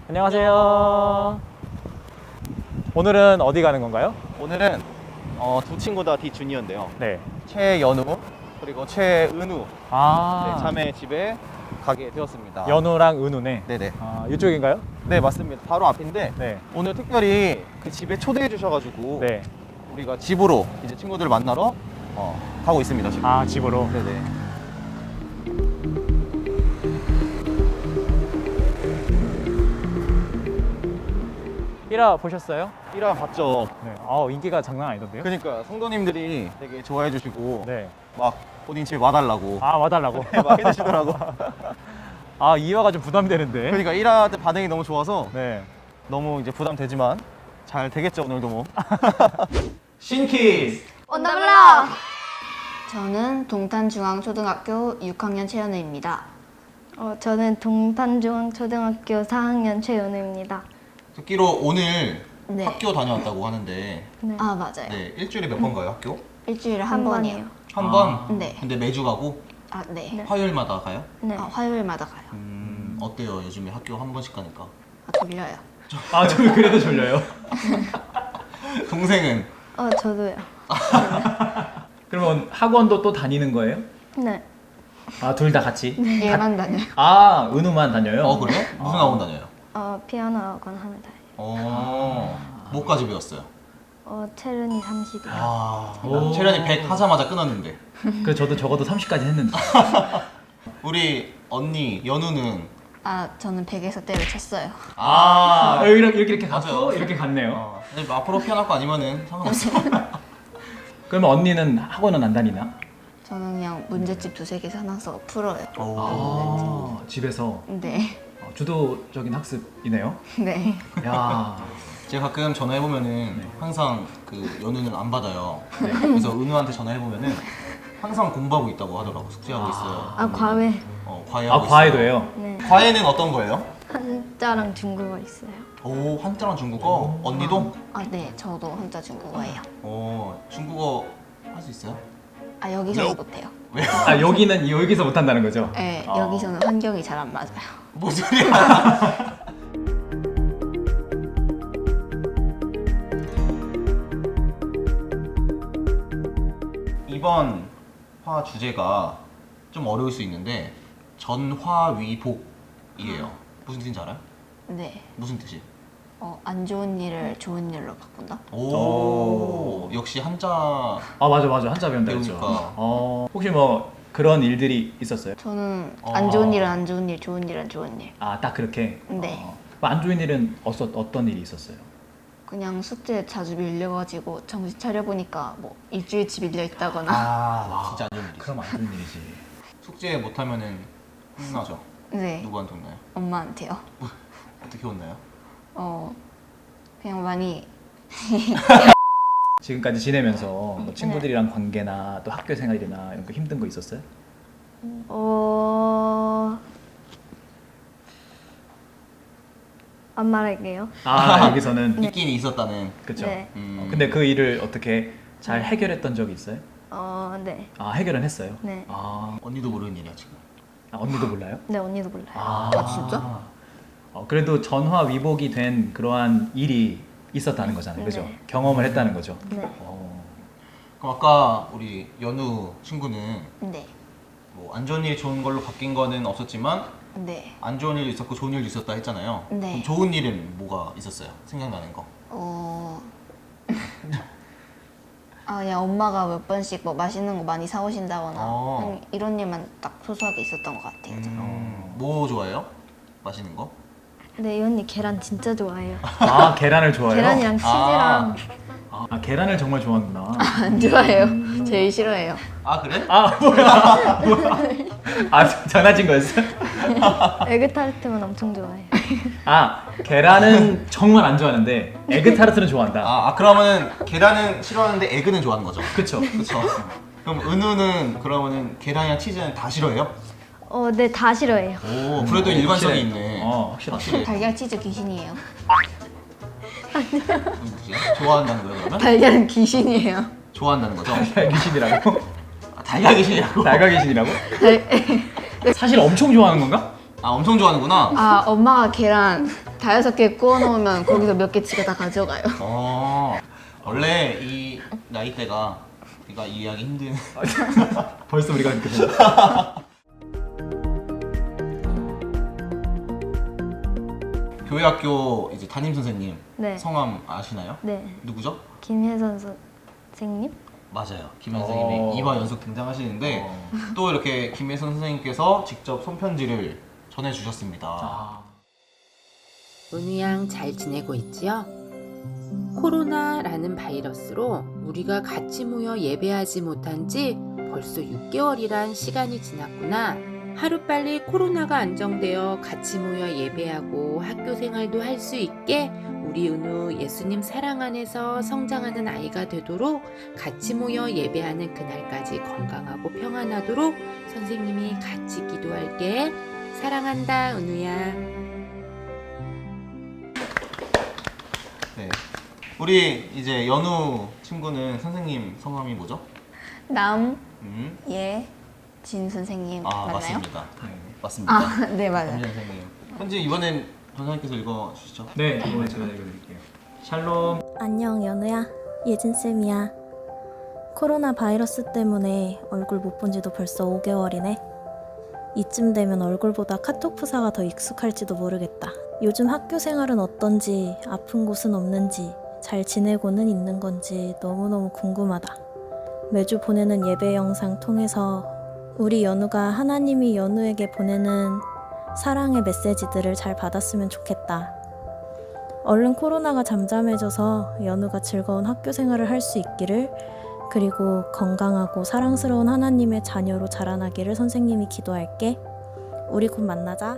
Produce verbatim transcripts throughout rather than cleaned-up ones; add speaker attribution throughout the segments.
Speaker 1: 안녕하세요. 오늘은 어디 가는 건가요?
Speaker 2: 오늘은 어, 두 친구 다 디주니어인데요.
Speaker 1: 네.
Speaker 2: 최연우 그리고 최은우
Speaker 1: 아,
Speaker 2: 네, 자매 집에 가게 되었습니다.
Speaker 1: 연우랑 은우네.
Speaker 2: 네네.
Speaker 1: 아, 이쪽인가요?
Speaker 2: 네 맞습니다. 바로 앞인데
Speaker 1: 네.
Speaker 2: 오늘 특별히 그 집에 초대해 주셔가지고
Speaker 1: 네.
Speaker 2: 우리가 집으로 이제 친구들을 만나러 어, 가고 있습니다 지금.
Speaker 1: 아, 집으로.
Speaker 2: 네네.
Speaker 1: 일 화 보셨어요?
Speaker 2: 일 화 봤죠.
Speaker 1: 네. 아, 인기가 장난 아니던데요?
Speaker 2: 그러니까 성도님들이 되게 좋아해 주시고
Speaker 1: 네.
Speaker 2: 막 본인 집에 와달라고
Speaker 1: 아, 와달라고.
Speaker 2: 막 해주시더라고.
Speaker 1: 아, 이 화가 좀 부담되는데.
Speaker 2: 그러니까 일 화 때 반응이 너무 좋아서
Speaker 1: 네.
Speaker 2: 너무 이제 부담되지만 잘 되겠죠 오늘도 뭐.
Speaker 1: 신키스.
Speaker 3: 온다블라! 저는 동탄중앙초등학교 육 학년 최연우입니다.
Speaker 4: 어, 저는 동탄중앙초등학교 사 학년 최연우입니다.
Speaker 2: 듣기로 오늘
Speaker 3: 네.
Speaker 2: 학교 다녀왔다고 하는데
Speaker 4: 네.
Speaker 3: 아, 맞아요.
Speaker 2: 네 일주일에 몇 번 가요 학교?
Speaker 3: 일주일에 한,
Speaker 4: 한
Speaker 3: 번이요.
Speaker 4: 번이요.
Speaker 2: 한
Speaker 1: 아.
Speaker 2: 번?
Speaker 3: 네.
Speaker 2: 근데 매주 가고
Speaker 3: 아, 네.
Speaker 4: 네.
Speaker 2: 화요일마다 가요?
Speaker 4: 네.
Speaker 3: 아, 화요일마다 가요.
Speaker 2: 음 어때요 요즘에 학교 한 번씩 가니까?
Speaker 3: 아, 졸려요.
Speaker 1: 아, 저 그래도 졸려요.
Speaker 2: 동생은?
Speaker 4: 어, 저도요.
Speaker 5: 그러면 학원도 또 다니는 거예요?
Speaker 4: 네.
Speaker 5: 아, 둘 다 같이?
Speaker 3: 얘만 다녀요.
Speaker 5: 아, 은우만 다녀요?
Speaker 2: 어 그래요? 무슨 학원 다녀요?
Speaker 4: 어, 피아노 학원 하나 다녀요.
Speaker 2: 어 뭐까지 배웠어요?
Speaker 4: 어, 체르니 삼십이요.
Speaker 2: 아
Speaker 5: 오.
Speaker 2: 체련이 백 하자마자 끊었는데
Speaker 5: 그래, 저도 적어도 삼십까지 했는데.
Speaker 2: 우리 언니 연우는
Speaker 3: 아, 저는 백에서 때를 쳤어요.
Speaker 2: 아
Speaker 5: 아, 이렇게 이렇게, 이렇게 갔고
Speaker 2: 맞아요.
Speaker 5: 이렇게 갔네요.
Speaker 2: 어, 근데 앞으로 피아노 학과 아니면은 상관없어.
Speaker 5: 그러면 언니는 학원은 안 다니나?
Speaker 3: 저는 그냥 문제집 두세 개 사놔서 풀어요.
Speaker 2: 오.
Speaker 5: 아, 집에서
Speaker 3: 네.
Speaker 5: 어, 주도적인 학습이네요.
Speaker 3: 네.
Speaker 5: 야,
Speaker 2: 제가 가끔 전화해보면은
Speaker 5: 네.
Speaker 2: 항상 그 연우는 안 받아요. 그래서 은우한테 전화해보면은 항상 공부하고 있다고 하더라고. 숙제하고 있어요.
Speaker 4: 아, 과외.
Speaker 2: 어,
Speaker 5: 아,
Speaker 2: 과외하고
Speaker 5: 과외도
Speaker 2: 있어요.
Speaker 5: 해요?
Speaker 4: 네.
Speaker 2: 과외는 어떤 거예요?
Speaker 4: 한자랑 중국어 있어요.
Speaker 2: 오 한자랑 중국어. 언니도?
Speaker 3: 아, 네. 저도 혼자 중국어예요.
Speaker 2: 어 중국어 할 수 있어요?
Speaker 3: 아, 여기서는 못해요.
Speaker 2: 왜요?
Speaker 5: 아, 여기는 여기서 못 한다는 거죠?
Speaker 3: 네,
Speaker 5: 어.
Speaker 3: 여기서는 환경이 잘 안 맞아요.
Speaker 2: 뭔 소리야? 이번 화 주제가 좀 어려울 수 있는데 전화위복이에요. 무슨 뜻인지 알아요?
Speaker 3: 네.
Speaker 2: 무슨 뜻이에요?
Speaker 3: 어, 안 좋은 일을 좋은 일로 바꾼다?
Speaker 2: 오,
Speaker 5: 오.
Speaker 2: 역시 한자.
Speaker 5: 아, 맞아, 맞아. 한자 배운다 했죠.
Speaker 2: 배우니까.
Speaker 5: 어, 혹시 뭐 그런 일들이 있었어요?
Speaker 3: 저는
Speaker 2: 어.
Speaker 3: 안 좋은 일은 안 좋은 일, 좋은 일은 좋은 일.
Speaker 5: 아, 딱 그렇게?
Speaker 3: 네.
Speaker 5: 어. 안 좋은 일은 어서, 어떤 일이 있었어요?
Speaker 3: 그냥 숙제 자주 밀려가지고 정신 차려보니까 뭐 일주일치 밀려 있다거나.
Speaker 2: 아, 진짜 안 좋은 일이지.
Speaker 5: 그럼 안 좋은 일이지.
Speaker 2: 숙제 못하면은 혼나죠.
Speaker 3: 네.
Speaker 2: 누구한테 혼나요?
Speaker 3: 엄마한테요.
Speaker 2: 어떻게 혼나요?
Speaker 3: 어, 그냥 많이.
Speaker 5: 지금까지 지내면서 뭐 친구들이랑 관계나 또 학교 생활이나 이런 거 힘든 거 있었어요?
Speaker 4: 어... 안 말할게요.
Speaker 5: 아, 여기서는
Speaker 2: 있긴 있었다는.
Speaker 5: 그쵸.
Speaker 4: 네.
Speaker 2: 음.
Speaker 5: 어, 근데 그 일을 어떻게 잘 해결했던 적이 있어요?
Speaker 4: 어, 네.
Speaker 5: 아, 해결은 했어요?
Speaker 4: 네.
Speaker 5: 아,
Speaker 2: 언니도 모르는 일이야 지금.
Speaker 5: 아, 언니도 몰라요?
Speaker 4: 네, 언니도 몰라요.
Speaker 5: 아,
Speaker 3: 아, 진짜?
Speaker 5: 어, 그래도 전화 위복이 된 그러한 일이 있었다는 거잖아요, 그죠?
Speaker 4: 네.
Speaker 5: 경험을 했다는 거죠.
Speaker 4: 네.
Speaker 5: 어,
Speaker 2: 그럼 아까 우리 연우 친구는
Speaker 3: 네.
Speaker 2: 뭐 안 좋은 일이 좋은 걸로 바뀐 거는 없었지만
Speaker 3: 네.
Speaker 2: 안 좋은 일도 있었고 좋은 일도 있었다 했잖아요.
Speaker 3: 네.
Speaker 2: 그럼 좋은 일은 뭐가 있었어요? 생각나는 거.
Speaker 3: 어. 아, 그냥 엄마가 몇 번씩 뭐 맛있는 거 많이 사오신다거나
Speaker 2: 어.
Speaker 3: 그냥 이런 일만 딱 소소하게 있었던 것 같아요. 저는.
Speaker 2: 음, 뭐 좋아해요? 맛있는 거?
Speaker 4: 네, 이 언니 계란 진짜 좋아해요.
Speaker 5: 아, 계란을 좋아해요?
Speaker 4: 계란이랑 치즈랑
Speaker 5: 아, 아, 계란을 정말 좋아하는구나.
Speaker 3: 안 좋아해요. 제일 싫어해요.
Speaker 2: 아 그래?
Speaker 5: 아, 뭐야? 뭐야? 아, 장난친 거였어?
Speaker 4: 에그타르트만 엄청 좋아해요.
Speaker 5: 아, 계란은 정말 안 좋아하는데 에그타르트는 좋아한다.
Speaker 2: 아, 아 그러면은 계란은 싫어하는데 에그는 좋아하는 거죠?
Speaker 5: 그쵸?
Speaker 2: 그쵸. 그럼 은우는 그러면은 계란이랑 치즈는 다 싫어해요?
Speaker 4: 어, 네, 다 싫어해요.
Speaker 2: 오 그래도
Speaker 5: 음,
Speaker 2: 일관성이
Speaker 5: 확실해.
Speaker 2: 있네.
Speaker 5: 어, 확실해.
Speaker 2: 확실해.
Speaker 3: 달걀 치즈 귀신이에요.
Speaker 2: 무슨 뜻이야? 좋아한다는 거예요 그러면?
Speaker 3: 달걀은 귀신이에요.
Speaker 2: 좋아한다는 거죠?
Speaker 5: 달걀 귀신이라고?
Speaker 2: 아, 달걀 귀신이라고?
Speaker 5: 달걀 귀신이라고? 사실 엄청 좋아하는 건가?
Speaker 2: 아 엄청 좋아하는구나.
Speaker 3: 아, 엄마가 계란 다여섯 개 구워 놓으면 거기서 몇 개치가 다 가져가요.
Speaker 2: 어, 원래 이 나이대가 우리가 이해하기 힘든
Speaker 5: 벌써 우리가 이렇게 됐어.
Speaker 2: 교회 학교 이제 담임 선생님
Speaker 4: 네.
Speaker 2: 성함 아시나요?
Speaker 4: 네.
Speaker 2: 누구죠?
Speaker 4: 김혜선 선생님?
Speaker 2: 맞아요. 김현 선생님이
Speaker 5: 어.
Speaker 2: 이 화 연속 등장하시는데
Speaker 5: 어.
Speaker 2: 또 이렇게 김혜선 선생님께서 직접 손편지를 전해주셨습니다.
Speaker 5: 아.
Speaker 6: 은우 양 잘 지내고 있지요? 코로나라는 바이러스로 우리가 같이 모여 예배하지 못한 지 벌써 육 개월이란 시간이 지났구나. 하루빨리 코로나가 안정되어 같이 모여 예배하고 학교 생활도 할 수 있게 우리 은우 예수님 사랑 안에서 성장하는 아이가 되도록 같이 모여 예배하는 그날까지 건강하고 평안하도록 선생님이 같이 기도할게. 사랑한다, 은우야.
Speaker 2: 네. 우리 이제 연우 친구는 선생님 성함이 뭐죠?
Speaker 3: 남,
Speaker 2: 음.
Speaker 3: 예, 진 선생님
Speaker 2: 아,
Speaker 3: 맞나요?
Speaker 2: 맞습니다.
Speaker 5: 다행이네.
Speaker 2: 맞습니다.
Speaker 3: 아, 네 맞아요.
Speaker 2: 담임 선생님. 현지 이번엔 전사님께서 읽어주시죠.
Speaker 5: 네, 이번에 제가 읽어드릴게요. 샬롬.
Speaker 7: 안녕 연우야, 예진쌤이야. 코로나 바이러스 때문에 얼굴 못 본 지도 벌써 오 개월이네. 이쯤 되면 얼굴보다 카톡 프사가 더 익숙할지도 모르겠다. 요즘 학교 생활은 어떤지, 아픈 곳은 없는지, 잘 지내고는 있는 건지 너무너무 궁금하다. 매주 보내는 예배 영상 통해서 우리 연우가 하나님이 연우에게 보내는 사랑의 메시지들을 잘 받았으면 좋겠다. 얼른 코로나가 잠잠해져서 연우가 즐거운 학교 생활을 할 수 있기를, 그리고 건강하고 사랑스러운 하나님의 자녀로 자라나기를 선생님이 기도할게. 우리 곧 만나자.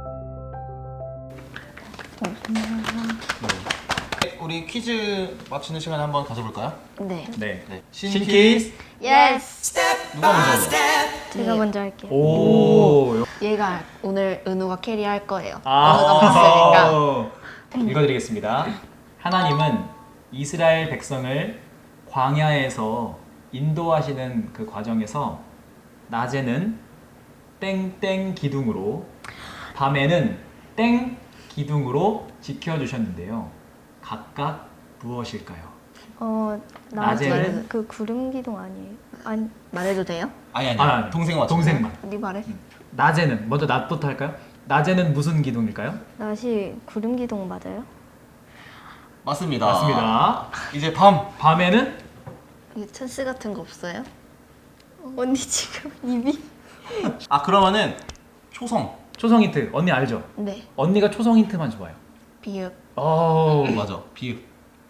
Speaker 2: 네, 우리 퀴즈 맞추는 시간 한번 가져볼까요?
Speaker 3: 네.
Speaker 5: 네.
Speaker 2: 네.
Speaker 5: 신키스.
Speaker 3: 예스.
Speaker 2: 누가 먼저 해요?
Speaker 4: 제가 먼저 할게요.
Speaker 5: 오.
Speaker 3: 얘가 오늘 은우가 캐리할 거예요.
Speaker 5: 아.
Speaker 3: 은우가 봤으니까.
Speaker 5: 읽어드리겠습니다. 하나님은 이스라엘 백성을 광야에서 인도하시는 그 과정에서 낮에는 땡땡 기둥으로, 밤에는 땡 기둥으로 지켜주셨는데요. 각각 무엇일까요?
Speaker 4: 어,
Speaker 5: 낮에는?
Speaker 4: 낮에는 그 구름 기둥 아니에요? 아니,
Speaker 3: 말해도 돼요?
Speaker 2: 아니 아니.
Speaker 5: 아,
Speaker 2: 동생 맞춰.
Speaker 5: 동생만.
Speaker 3: 네 말해.
Speaker 5: 낮에는, 먼저 낮부터 할까요? 낮에는 무슨 기둥일까요?
Speaker 4: 낮이 구름 기둥 맞아요?
Speaker 2: 맞습니다.
Speaker 5: 맞습니다.
Speaker 2: 이제 밤.
Speaker 5: 밤에는
Speaker 3: 이게 찬스 같은 거 없어요?
Speaker 4: 언니 지금 입이
Speaker 2: 아 그러면은 초성.
Speaker 5: 초성 힌트. 언니 알죠?
Speaker 3: 네.
Speaker 5: 언니가 초성 힌트만 줘봐요.
Speaker 3: 비읍.
Speaker 5: 오.
Speaker 2: 맞아. 비읍.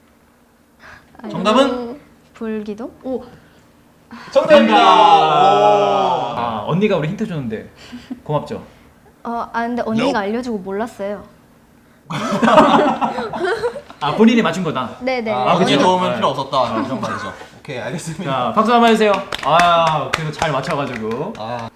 Speaker 2: 정답은
Speaker 4: 불 기둥?
Speaker 3: 오.
Speaker 2: 정답입니다.
Speaker 5: 아, 언니가 우리 힌트 줬는데 고맙죠?
Speaker 4: 어, 아 근데 언니가 알려주고 몰랐어요.
Speaker 5: 아, 본인이 맞춘 거다.
Speaker 4: 네네.
Speaker 2: 아,
Speaker 5: 그치.
Speaker 2: 언니 도움은
Speaker 5: 네.
Speaker 2: 필요 없었다 이런 말이죠. 오케이 알겠습니다.
Speaker 5: 자, 박수 한번 해주세요. 아, 그래도 잘 맞춰가지고.
Speaker 2: 아.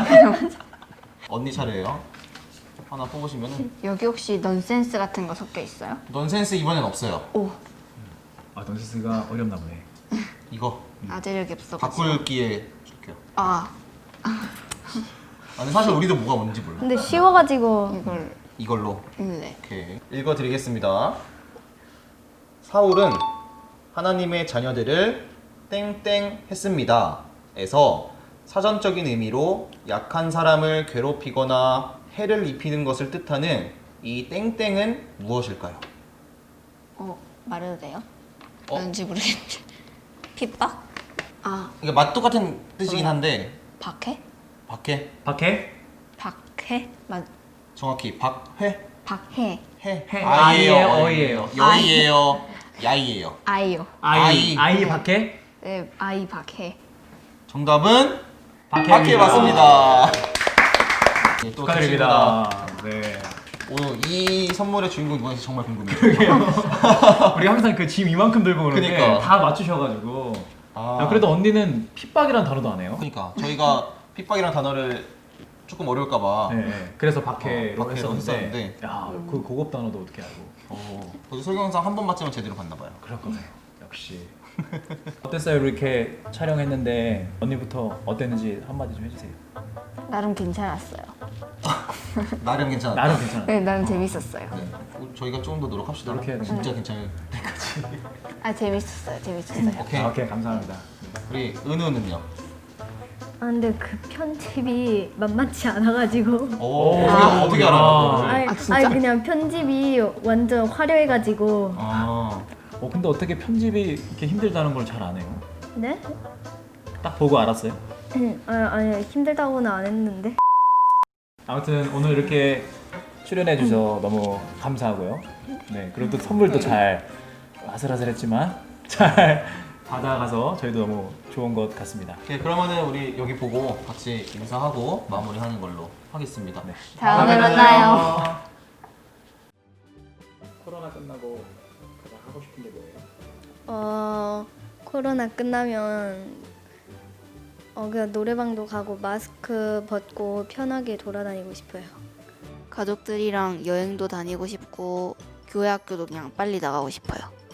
Speaker 2: 언니 차례예요. 하나 뽑으시면은
Speaker 3: 여기 혹시 넌센스 같은 거 섞여 있어요?
Speaker 2: 넌센스 이번엔 없어요.
Speaker 3: 오.
Speaker 5: 아, 넌센스가 어렵나 보네.
Speaker 2: 이거
Speaker 3: 아재력이 없어.
Speaker 2: 바꿀 기회 줄게요.
Speaker 3: 아
Speaker 2: 아, 근데 사실 우리도 뭐가 뭔지 몰라.
Speaker 4: 근데 쉬워가지고
Speaker 3: 이걸
Speaker 2: 이걸로.
Speaker 3: 네.
Speaker 2: 오케이. 읽어드리겠습니다. 사울은 하나님의 자녀들을 땡땡 했습니다. 에서 사전적인 의미로 약한 사람을 괴롭히거나 해를 입히는 것을 뜻하는 이 땡땡은 무엇일까요?
Speaker 3: 어 말해도 돼요?
Speaker 2: 어?
Speaker 3: 뭔지 모르겠네. 핍박? 아
Speaker 2: 이게 맛 똑같은 뜻이긴 한데
Speaker 3: 박해?
Speaker 2: 박해?
Speaker 5: 박해?
Speaker 3: 박해? 맞
Speaker 2: 정확히 박회?
Speaker 3: 박해.
Speaker 2: 해?
Speaker 5: 해.
Speaker 2: 아이예요,
Speaker 5: 아이예요,
Speaker 2: 어이예요, 여이예요, 야이예요.
Speaker 3: 아이요.
Speaker 5: 아이.
Speaker 2: 아이.
Speaker 5: 아이 박해?
Speaker 3: 네 아이 박해.
Speaker 2: 정답은
Speaker 5: 박해.
Speaker 2: 박해 맞습니다. 네, 또
Speaker 5: 축하드립니다. 네.
Speaker 2: 오늘 이 선물의 주인공 누구인지 정말 궁금해요.
Speaker 5: 우리 항상 그 짐 이만큼 들고 오는데
Speaker 2: 그니까.
Speaker 5: 다 맞추셔가지고.
Speaker 2: 아,
Speaker 5: 야, 그래도 언니는 핍박이란 단어도 안 해요.
Speaker 2: 그러니까 저희가 핍박이라는 단어를 조금 어려울까봐
Speaker 5: 네, 네. 그래서 박해로
Speaker 2: 어, 박해로
Speaker 5: 했었는데,
Speaker 2: 했었는데.
Speaker 5: 야, 그 고급 단어도 어떻게 알고?
Speaker 2: 어, 저도 설경상 한 번 맞으면 제대로 봤나 봐요.
Speaker 5: 그럴 거예요. 역시. 어땠어요? 이렇게 촬영했는데 언니부터 어땠는지 한마디 좀 해주세요.
Speaker 3: 나름 괜찮았어요.
Speaker 2: 나름 괜찮았다.
Speaker 5: 나름 괜찮아.
Speaker 3: 네, 나는 재밌었어요.
Speaker 2: 네. 우- 저희가 조금 더 노력합시다.
Speaker 5: 노력해야 돼요.
Speaker 2: 진짜 괜찮을 때까지.
Speaker 3: 아 재밌었어요, 재밌었어요.
Speaker 2: 오케이.
Speaker 5: 아, 오케이 감사합니다.
Speaker 2: 우리 은우는요?
Speaker 4: 아 근데 그 편집이 만만치 않아가지고.
Speaker 2: 오,
Speaker 5: 오.
Speaker 2: 어떻게, 어떻게
Speaker 5: 아.
Speaker 2: 알아요?
Speaker 4: 아니,
Speaker 3: 아, 진짜?
Speaker 4: 아니 그냥 편집이 완전 화려해가지고.
Speaker 2: 아,
Speaker 5: 어 근데 어떻게 편집이 이렇게 힘들다는 걸 잘 아네요?
Speaker 4: 네?
Speaker 5: 딱 보고 알았어요?
Speaker 4: 아 아니 힘들다고는 안 했는데.
Speaker 5: 아무튼 오늘 이렇게 출연해 주셔서 너무 감사하고요. 네, 그리고 또 선물도 잘 아슬아슬했지만 잘 받아가서 저희도 너무 좋은 것 같습니다.
Speaker 2: 오케이, 그러면은 우리 여기 보고 같이 인사하고 마무리하는 걸로 하겠습니다.
Speaker 5: 네.
Speaker 3: 다음에 만나요.
Speaker 5: 코로나 끝나고 가장 하고 싶은 게 뭐예요?
Speaker 4: 어 코로나 끝나면 어 그냥 노래방도 가고 마스크 벗고 편하게 돌아다니고 싶어요.
Speaker 3: 가족들이랑 여행도 다니고 싶고 교회 학교도 그냥 빨리 나가고 싶어요.